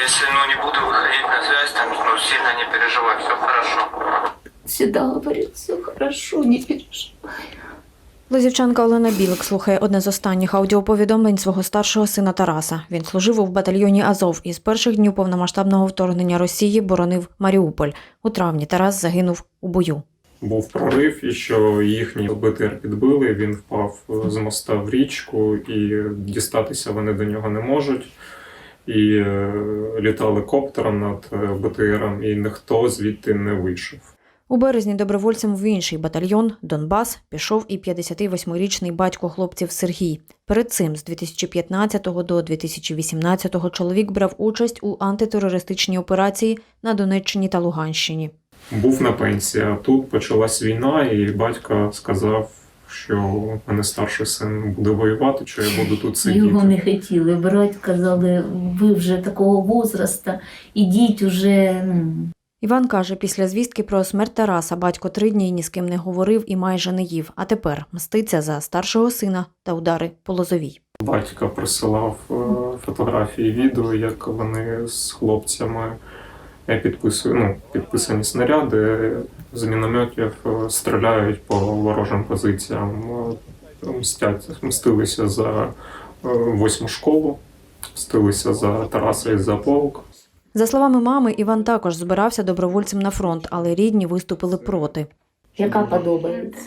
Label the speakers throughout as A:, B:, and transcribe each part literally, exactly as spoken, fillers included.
A: если ну, не буду выходить на связь, там, ну, сильно не переживай, все хорошо.
B: Всегда говорит, все хорошо, не переживай.
C: Лозівчанка Олена Білик слухає одне з останніх аудіоповідомлень свого старшого сина Тараса. Він служив у батальйоні «Азов» і з перших днів повномасштабного вторгнення Росії боронив Маріуполь. У травні Тарас загинув у бою.
D: Був прорив, і що їхній БТР підбили, він впав з моста в річку, і дістатися вони до нього не можуть. І е, літали коптером над БТРом, і ніхто звідти не вийшов.
C: У березні добровольцем в інший батальйон «Донбас» пішов і п'ятдесятивосьмирічний батько хлопців Сергій. Перед цим з дві тисячі п'ятнадцятого до дві тисячі вісімнадцятого чоловік брав участь у антитерористичній операції на Донеччині та Луганщині.
D: Був на пенсії, а тут почалась війна, і батько сказав, що в мене старший син буде воювати, що я буду тут сидіти.
B: Його не хотіли брати, казали, ви вже такого возрасту, ідіть уже. Ну.
C: Іван каже, після звістки про смерть Тараса батько три дні ні з ким не говорив і майже не їв, а тепер мститься за старшого сина та удари по Лозовій.
D: Батько присилав фотографії, відео, як вони з хлопцями підписують, ну, підписані снаряди з мінометів, стріляють по ворожим позиціям, мстять, мстилися за восьму школу, мстилися за Тараса і за полк.
C: За словами мами, Іван також збирався добровольцем на фронт, але рідні виступили проти.
B: Яка подобається?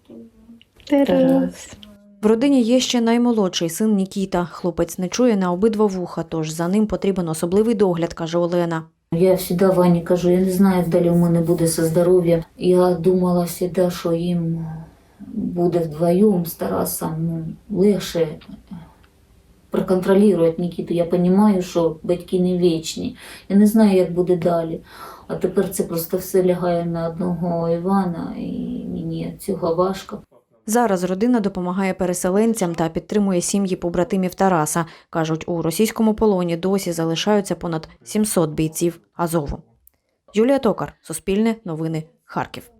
B: Тарас.
C: В родині є ще наймолодший син Нікіта. Хлопець не чує на обидва вуха, тож за ним потрібен особливий догляд, каже Олена.
B: Я завжди Вані кажу, я не знаю, як далі у мене буде зі здоров'ям. Я думала завжди, що їм буде вдвоєм з Тарасом ну, легше проконтролювати Нікіту. Я розумію, що батьки не вічні. Я не знаю, як буде далі. А тепер це просто все лягає на одного Івана, і мені цього важко.
C: Зараз родина допомагає переселенцям та підтримує сім'ї побратимів Тараса. Кажуть, у російському полоні досі залишаються понад сімсот бійців Азову. Юлія Токар, Суспільне, Новини, Харків.